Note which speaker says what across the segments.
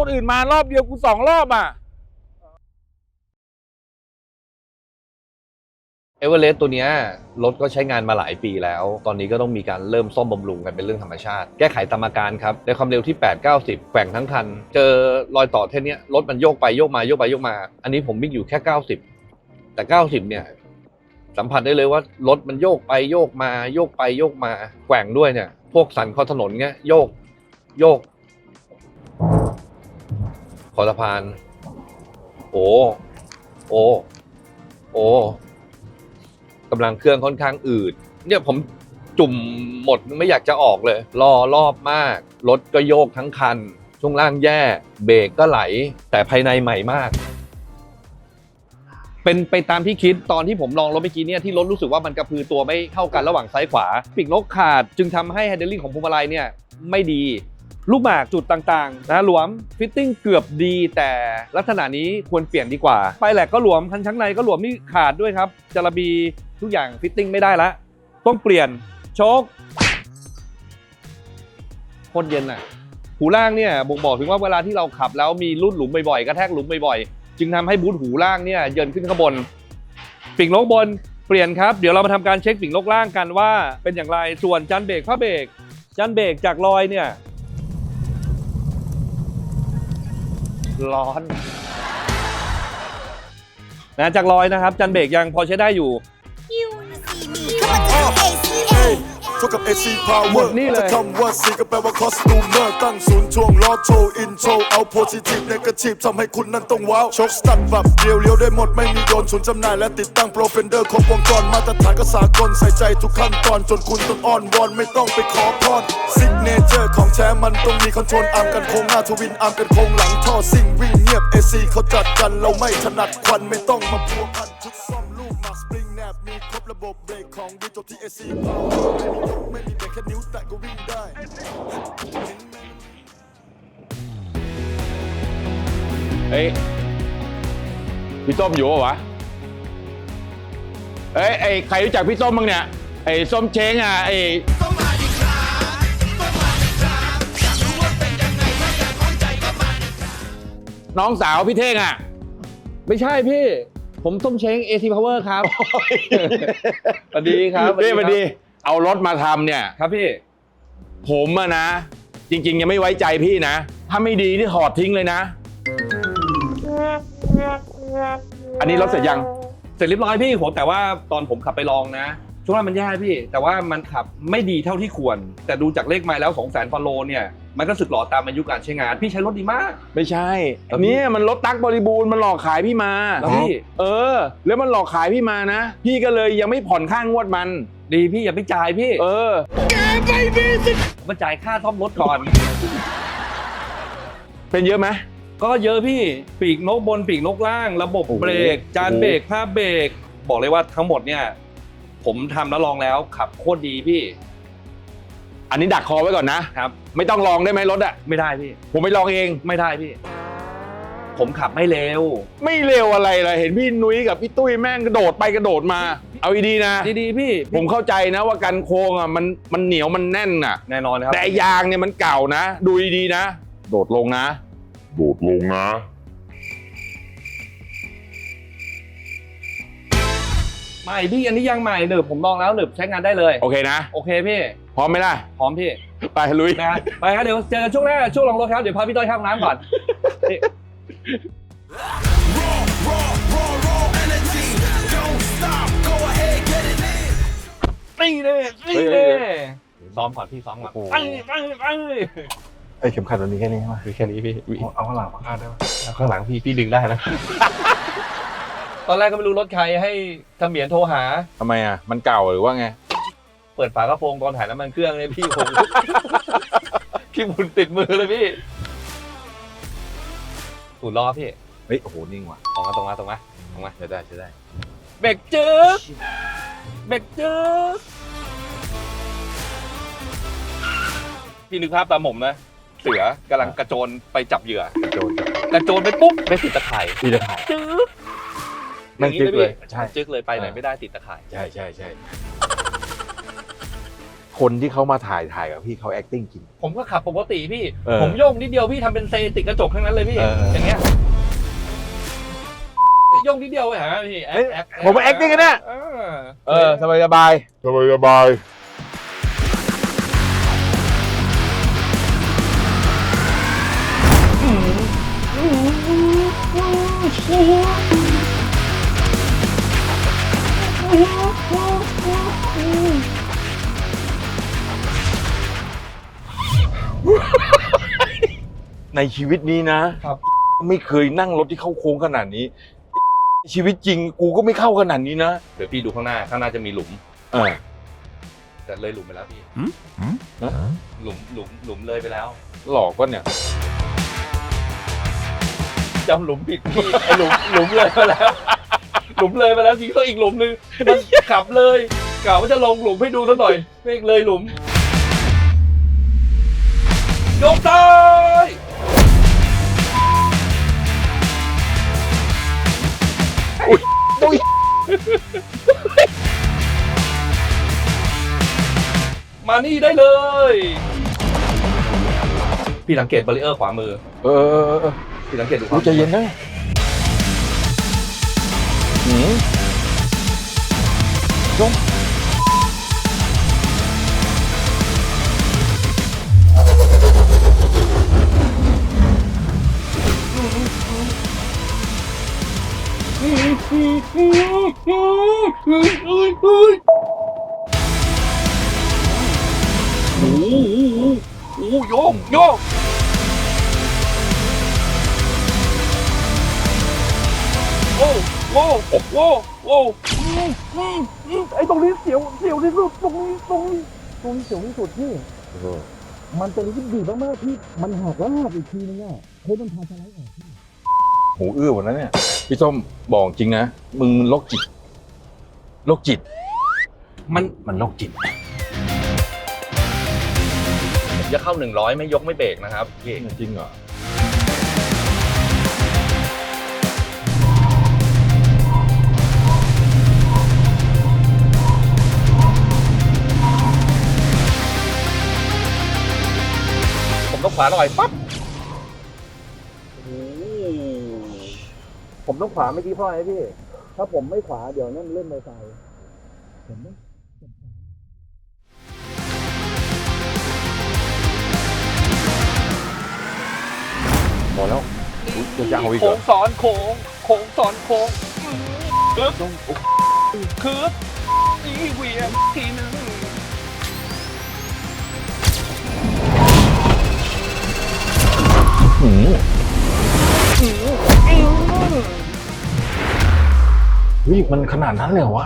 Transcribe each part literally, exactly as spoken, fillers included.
Speaker 1: คนอื่นมารอบเดียวกูสองรอบอ่ะ
Speaker 2: เอเวอเรสต์ตัวเนี้ยรถก็ใช้งานมาหลายปีแล้วตอนนี้ก็ต้องมีการเริ่มซ่อมบำรุงกันเป็นเรื่องธรรมชาติแก้ไขตามอาการครับในความเร็วที่แปด เก้าสิบแกว่งทั้งคันเจอรอยต่อเท่านี้รถมันโยกไปโยกมาโยกไปโยกมาอันนี้ผมวิ่งอยู่แค่เก้าสิบแต่เก้าสิบเนี่ยสัมผัสได้เลยว่ารถมันโยกไปโยกมาโยกไปโยกมาแกว่งด้วยเนี่ยพวกสันคอถนนเงี้ยโยกโยกขอสะพานโอ้โอ้โอ้กำลังเครื่องค่อนข้างอืดเนี่ยผมจุ่มหมดไม่อยากจะออกเลยรอรอบมากรถก็โยกทั้งคันช่วงล่างแย่เบรกก็ไหลแต่ภายในใหม่มากเป็นไปตามที่คิดตอนที่ผมลองรถเมื่อกี้เนี่ยที่รถรู้สึกว่ามันกระพือตัวไม่เท่ากันระหว่างซ้ายขวาปีกนกขาดจึงทำให้แฮนเดิลลิ่งของพวงมาลัยเนี่ยไม่ดีลูกหมากจุดต่างๆนะหลวมฟิตติ้งเกือบดีแต่ลักษณะนี้ควรเปลี่ยนดีกว่าปลายแหลกก็หลวมคันชั้นในก็หลวมนี่ขาดด้วยครับจาระบีทุกอย่างฟิตติ้งไม่ได้ละต้องเปลี่ยนโชคโคตรเย็นอ่ะหูล่างเนี่ยบ่งบอกถึงว่าเวลาที่เราขับแล้วมีลุ่นหลุมบ่อยๆกระแทกหลุมบ่อยๆจึงทำให้บูทหูล่างเนี่ยเยินขึ้นข้างบนปีกนกบนเปลี่ยนครับเดี๋ยวเรามาทำการเช็คปีกนกล่างกันว่าเป็นอย่างไรส่วนจานเบรกผ้าเบรกจานเบรกจากรอยเนี่ยร้อนนะจากรอยนะครับจานเบรกยังพอใช้ได้อยู่
Speaker 3: เท่ากับ เอ ซี Power จะคำว่า C ก็แปลว่า Costumer ตั้งศูนย์ช่วงล้อโชว์อินโทรเอา Positive Negative ทำให้คุณนั้นต้องว้าวชกสตัดแบบเรียวเลี้ยวได้หมดไม่มีโดนศูนย์จำหน่ายและติดตั้งโปรเฟนเดอร์ครบวงจรมาตรฐานก็สากลใส่ใจทุกขั้นตอนจนคุณต้องอ้อนวอนไม่ต้องไปขอพรซิกเนเจอร์ของแท้มันต้องมีคอนโทรลอาร์มกันโค้งหน้าทวินอาร์มกันโค้งหลังท่อซิ่งวิ่งเงียบ เอ ซี เขาจัดกันเราไม่ถนัดควันไม่ต้องมาพัวพันชุดซ่อมลูกมาสปริงแนบมีครบระบบเบรกของดีจบที่ เอ ซี ไม่มีเบรกแค่นิ้วแตะก็วิ่งได้
Speaker 1: เฮ้ยพี่ส้มอยู่ปะวะเอ้ยไอ้ใครรู้จักพี่ส้มบ้างเนี่ยไอ้ส้มเช้งอ่ะไอ้น้องสาวพี่เท่งอ่ะ
Speaker 2: ไม่ใช่พี่ผมส้มเช้ง เอ ซี Power ครับสวัสดีครับ
Speaker 1: พี่สวัสดีเอารถมาทำเนี่ย
Speaker 2: ครับพี่
Speaker 1: ผมอะนะจริงๆยังไม่ไว้ใจพี่นะถ้าไม่ดีนี่ถอดทิ้งเลยนะอันนี้รถเสร็จยัง
Speaker 2: เสร็จเรียบร้อยพี่ผมแต่ว่าตอนผมขับไปลองนะช่วงนั้นมันแย่พี่แต่ว่ามันขับไม่ดีเท่าที่ควรแต่ดูจากเลขไมล์แล้ว สองแสน ฟอลโลเนี่ยมันก็สึกหล่อตามอายุการใช้งานพี่ใช้รถดีมาก
Speaker 1: ไม่ใช่อันนี้มันรถตั๊กบริบูรณ์มันหลอกขายพี่มา
Speaker 2: แล้วพี่
Speaker 1: เออแล้วมันหลอกขายพี่มานะพี่ก็เลยยังไม่ผ่อนค่างวดมัน
Speaker 2: ดีพี่อย่าไปจ่ายพี่
Speaker 1: เออ
Speaker 2: แกไม่มีสิมาจ่ายค่าซ่อมรถก่อน
Speaker 1: เป็นเยอะไหม
Speaker 2: ก็เยอะพี่ปีกนกบนปีกนกล่างระบบเบรกจานเบรกผ้าเบรกบอกเลยว่าทั้งหมดเนี่ยผมทำแล้วลองแล้วขับโคตรดีพี่
Speaker 1: อันนี้ดักคอไว้ก่อนนะครับไม่ต้องลองได้ไหมรถอะ
Speaker 2: ไม่ได้พี่
Speaker 1: ผมไม่ลองเอง
Speaker 2: ไม่ได้พี่ผมขับไม่เร็ว
Speaker 1: ไม่เร็วอะไรเลยเห็นพี่นุ้ยกับพี่ตุ้ยแม่งกระโดดไปกระโดดมาเอาดีๆนะ
Speaker 2: ดีๆพี่
Speaker 1: ผมเข้าใจนะว่ากันโค้งอ่ะมันมันเหนียวมันแน่นอ่ะ
Speaker 2: แน่นอนครับ
Speaker 1: แต่ยางเนี่ยมันเก่านะดูดีๆนะโดดลงนะโดดลงนะ
Speaker 2: ใหม่พี่อันนี้ยังใหม่หนึบผมลองแล้วหนึบใช้งานได้เลย
Speaker 1: โอเคนะ
Speaker 2: โอเคพี่
Speaker 1: พร้อมไหมล่ะ
Speaker 2: พร้อมพี่
Speaker 1: ไปลุย
Speaker 2: นะไปครับเดี๋ยวเจอกันช่วงแรกช่วงลองรถครับเดี๋ยวพาพี่ต้อยเข้าห้องน้ำก่อนนี่เลยนี่เลยซ้อมก่อนพี่ซ้อมก่อนไปไปไป
Speaker 4: ไอ้เข็มขัดมันมีแค่นี้ใช่ไหม
Speaker 2: มีแค่นี้พี่
Speaker 4: เอาข้างหลังมาคาดได้ไหม
Speaker 2: เอาข้างหลังพี่พี่ดึงได้แล้วตอนแรกก็ไม่รู้รถใครให้เสมียนโทรหา
Speaker 1: ทำไมอ่ะมันเก่าหรือว่าไง
Speaker 2: เปิดฝากระโปรงตอนถ่ายน้ำมันเครื่องเลยพี่ผมขี้บุญติดมือเลยพี่สูดล้อพี่
Speaker 4: เฮ้ยโอ้โหนิ่งว่ะ
Speaker 2: ตรงมาตรงมาตรงมาตรงมา
Speaker 4: จะได้จะได้
Speaker 2: เบรกจึ๊กเบรกจึ๊กพี่นึกภาพตามผมนะเสือกำลังกระโจนไปจับเหยื่อกระโจนกระโจนไปปุ๊บไม่ติดตะข่าย
Speaker 4: ติดตะข่าย
Speaker 2: จึ๊ก
Speaker 4: ไม่จึ๊กเลย
Speaker 2: ใช่จึ๊กเลยไปไหนไม่ได้ติดตะข่าย
Speaker 4: ใช่ใช่ใช่
Speaker 2: โค
Speaker 1: คนที่เขามาถ่ายถ่ายกับพี่เขา acting จริง
Speaker 2: ผมก็ขับปกติพี่
Speaker 1: เออ
Speaker 2: ผมโยกนิดเดียวพี่ทำเป็นเซติดกระจกทั้งนั้นเลยพี่
Speaker 1: เออ
Speaker 2: อย่างเงี้ยโยกนิดเดียวไปหาพี่แอคแอค
Speaker 1: ผมว่า acting กันเนี่ย
Speaker 2: เออ
Speaker 1: เออสบายสบายสบายสบายในชีวิตนี้นะครับ ไม่เคยนั่งรถที่เข้าโค้งขนาดนี้ ชีวิตจริงกูก็ไม่เข้าขนาดนี้นะ
Speaker 2: เดี๋ยวพี่ดูข้างหน้าข้างหน้าจะมีหลุม
Speaker 1: เออ
Speaker 2: แต่เลยหลุมไปแล้วพี่
Speaker 1: นะ
Speaker 2: หลุมหลุมหลุมเลยไปแล้ว
Speaker 1: หลอกก็เนี่ย
Speaker 2: จำหลุมผิดพี่ไอหลุมหลุมเลยไปแล้ว หลุมเลยไปแล้วทีก็อีกหลุมนึงมันขับเลยกะว่าจะลงหลุมให้ดูสักหน่อยไม่เลยหลุมยกซ้าย
Speaker 1: อุ้ย
Speaker 2: มานี่ได้เลย พี่สังเกตบาริเออร์ขวามือ
Speaker 1: เออเออเออ
Speaker 2: พี่สังเกตดูขวา
Speaker 1: รู้
Speaker 2: มือ
Speaker 1: ใจเย็นนะหืมจงโอ้โหโอ้โหโยกโยกโอ้โอ้โอ้โอ้โอ้ไอ้ตรงนี้เสียวเสียวที่สุดตรงนี้ตรงนี้
Speaker 5: ตรงนี้เสียวที่สุดพี่ มันเป็นอะไรที่ดีมากๆที่มันหักแล้วหักอีกทีนึงอ่ะเฮ้ยมันพาสไลด์ออกพี่
Speaker 1: หูอื้อหมดแล้วเนี่ย พี่ส้มบอกจริงนะ มึงโรคจิตโรคจิต
Speaker 2: มัน
Speaker 1: มันโรคจิต
Speaker 2: ผมจะเข้าหนึ่งร้อยไม่ยกไม่เบรกนะครับพี่
Speaker 1: จริงเหรอ
Speaker 2: ผมต้องขวาหน่อยปั๊บ
Speaker 5: ผมต้องขวาเมื่อกี้เพราะอะไรพี่ ถ้าผมไม่ขวาเดี๋ยวนั่นเล่นในไฟผมต้อง
Speaker 1: พอแล้วอุ๊ยจะจะเอาอีกเห
Speaker 2: โค้
Speaker 1: รอง
Speaker 2: สอนโค้งโค้งสอนโค้งคืบคืบนี่เหวียงทีนึง
Speaker 1: หืมเฮ้ยมันขนาดนั้นเลยเหรอวะ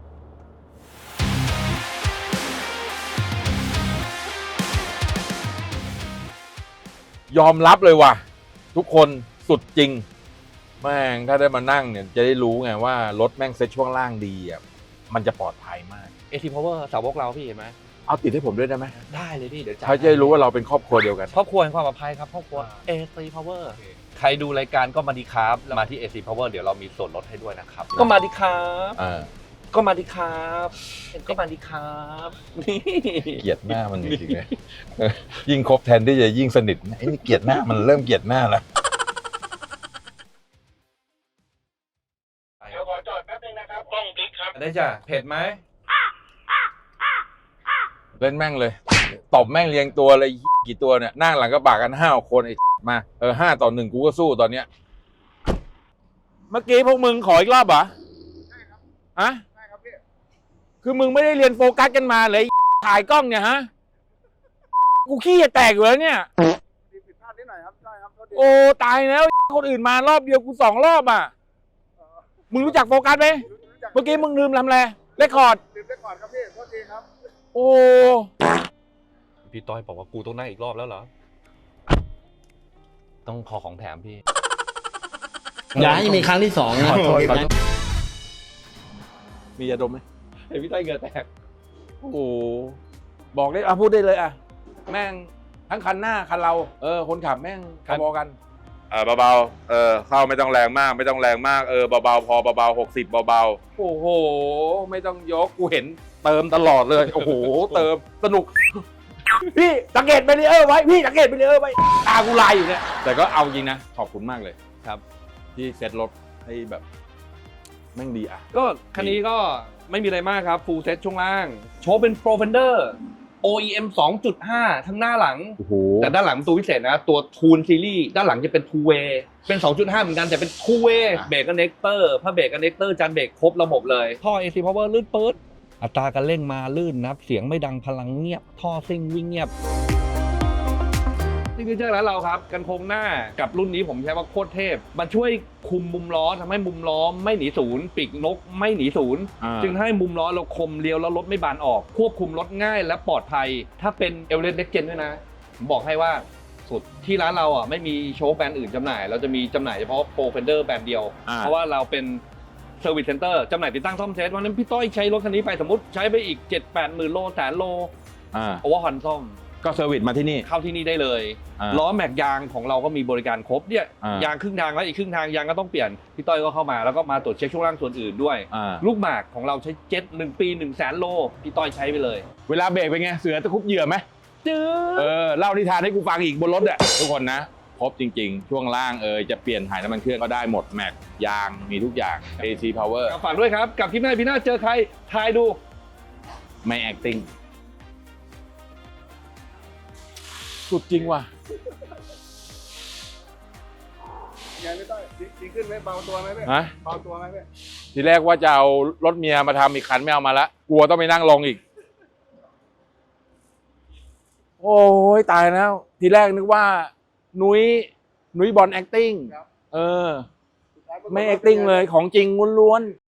Speaker 1: ยอมรับเลยว่ะ ทุกคนสุดจริง แม่งถ้าได้มานั่งเนี่ยจะได้รู้ไงว่ารถแม่งเซ็ตช่วงล่างดีอ่ะมันจะปลอดภัยมาก
Speaker 2: เอทีพาวเวอร์สาวกเราพี่เห็นไหม
Speaker 1: เอาติดให้ผมด้วยได้ไหม
Speaker 2: ได้เลยพี่เดี๋ยวจัด
Speaker 1: เขาจะได้รู้ว่าเราเป็นครอบครัวเดียวกัน
Speaker 2: ครอบครัวแห่งความปลอดภัยครับครอบครัวเอทีพาวเวอร์ใครดูรายการก็มาดีครับมาที่ เอ ซี Power เดี๋ยวเรามีส่วนลดให้ด้วยนะครับ ก็มาดีครับ
Speaker 1: อ่า
Speaker 2: ก็มาดีครับก็มาดีครับนี่
Speaker 1: เกลียดหน้ามันจริงๆเลยเออยิ่งคบแทนที่จะยิ่งสนิทไอ้นี่เกลียดหน้ามันเริ่มเกลียดหน้าแล้ว
Speaker 2: เดี๋ยวขอจอดแป๊บนึงนะครับกล้องติ๊กครับได้จ้ะเผ็ดไหม
Speaker 1: เล่นแม่งเลยตบแม่งเรียงตัวเลยกี่ตัวเนี่ยนั่งหลังกระบะกันห้าคนไอ้มาเออห้าต่อหนึ่งกูก็สู้ตอนเนี้ยเมื่อกี้พวกมึงขออีกรอบเหรอใช่ครับฮะใช่ครับพี่คือมึงไม่ได้เรียนโฟกัสกันมาเลยถ่ายกล้องเนี่ยฮะกูขี้จะแตกอยู่แล้วเนี่ยผิดพลาดนิดหน่อยครับใช่ครับโอ้ตายแล้วคนอื่นมารอบเดียวกูสองรอบอ่ะมึงรู้จักโฟกัสไหมเมื่อกี้มึงลืมทำอะไรเรคคอร์ดลืมเรคคอร์ดครับพี่โทษทีครับโอ้
Speaker 2: พี่ต้อยบอกว่ากูต้องนั่งอีกรอบแล้วเหรอต้องขอของแถมพี่
Speaker 6: อย่าให้มีครั้งที่สองนะ
Speaker 1: ขอโทษขอโทษมียาดมไหม
Speaker 2: เห็นพี่ต้อยเหงื่อแตก
Speaker 1: โอ้โหบอกได้อ่ะพูดได้เลยอ่ะแม่งทั้งคันหน้าคันเราเออคนขับแม่ง
Speaker 2: คัน
Speaker 1: พอๆกันเออเบาๆเออเข้าไม่ต้องแรงมากไม่ต้องแรงมากเออเบาๆพอเบาๆหกสิบเบาๆโอ้โหไม่ต้องยกกูเห็นเติมตลอดเลยโอ้โหเติมสนุกพี่สังเกตไปเลยเออไว้พี่สังเกตไปเลยเออไว้ตากูลายอยู่เนี่ยแต่ก็เอาจริงนะขอบคุณมากเลย
Speaker 2: ครับ
Speaker 1: ที่เซ็ตรถให้แบบแม่งดีอ่ะ
Speaker 2: ก็คันนี้ก็ไม่มีอะไรมากครับ ฟูลเซ็ตช่วงล่าง โชว์เป็น Pro Fender โอ อี เอ็ม สองจุดห้า ทั้งหน้าหลัง
Speaker 1: โอ้โห
Speaker 2: แต่ด้านหลังเป็นตัวพิเศษนะ ตัว Tool Series ด้านหลังจะเป็น Two Way เป็น สองจุดห้า เหมือนกันแต่เป็น Two Way
Speaker 1: อ่ะ
Speaker 2: เบรกกันเน็กเตอร์ผ้าเบรกกันเน็กเตอร์จานเบรกครบระบบเลย ท่อ เอ ซี Power ลื่นปื๊ดอัตราการเร่งมาลื่นนะครับ เสียงไม่ดังพลังเงียบ ท่อซิ่งวิ่งเงียบนี่คือเจ้าร้านเราครับ กันโครงหน้ากับรุ่นนี้ผมใช้ว่าโคตรเทพ มันช่วยคุมมุมล้อทำให้มุมล้อไม่หนีศูนย์ปีกนกไม่หนีศูนย์
Speaker 1: อ่า
Speaker 2: จึงให้มุมล้อเราคมเลี้ยวแล้วรถไม่บานออก ควบคุมรถง่ายและปลอดภัย ถ้าเป็นเอเวอเรสต์เน็กเจนด้วยนะ ผมบอกให้ว่าสุดที่ร้านเราอ่ะไม่มีโชว์แบรนด์อื่นจำหน่าย เราจะมีจำหน่ายเฉพาะโปรเฟนเดอร์แบรนด์เดียว
Speaker 1: อ่า
Speaker 2: เพราะว่าเราเป็นเซอร์วิสเซ็นเตอร์จำหน่ายติดตั้งซ่อมเซตวันนั้นพี่ต้อยใช้รถคันนี้ไปสมมติใช้ไปอีก เจ็ดแปดหมื่นโลแสนโล
Speaker 1: อ่า
Speaker 2: โอเวอร์ฮอนซ่อม
Speaker 1: ก็เซอร์วิสมาที่นี่
Speaker 2: เข้าที่นี่ได้เลย
Speaker 1: อ่า
Speaker 2: ล้อแม็กยางของเราก็มีบริการครบเนี่ย
Speaker 1: อ่าย
Speaker 2: างครึ่งทางแล้วอีกครึ่งทางยางก็ต้องเปลี่ยนพี่ต้อยก็เข้ามาแล้วก็มาตรวจเช็คช่วงล่างส่วนอื่นด้วย
Speaker 1: อ่า
Speaker 2: ลูกหมากของเราใช้เจ็ตหนึ่งปีหนึ่งแสนโลพี่ต้อยใช้ไปเลย
Speaker 1: เวลาเบรกเป็นไงเสือตะคุบเหยื่อไหม
Speaker 2: จื้
Speaker 1: เอ
Speaker 2: อ
Speaker 1: อเล่านิทานให้กูฟังอีกบนรถอ่ะทุกคนนะครบจริงๆ ช่วงล่างเออจะเปลี่ยนถ่ายน้ำมันเครื่องก็ได้หมดแม็กยางมีทุกอย่าง เอ ซี Power
Speaker 2: ฝากด้วยครับกับคลิปหน้าพี่หน้าเจอใครทายดู
Speaker 1: ไม่ acting สุดจริงว่ะ
Speaker 4: ไงไม่ต้องดีขึ้นไหมเบาตัวไหมพี่
Speaker 1: ฮะ
Speaker 4: เบาตัวไหมพี่
Speaker 1: ทีแรกว่าจะเอารถเมียมาทำอีกคันไม่เอามาละกลัวต้องไปนั่งลงอีก โอ้ยตายแล้ว ทีแรกนึกว่า นุ้ยนุ้ยบอล acting เออ ไม่ acting เลยของจริงล้วนๆ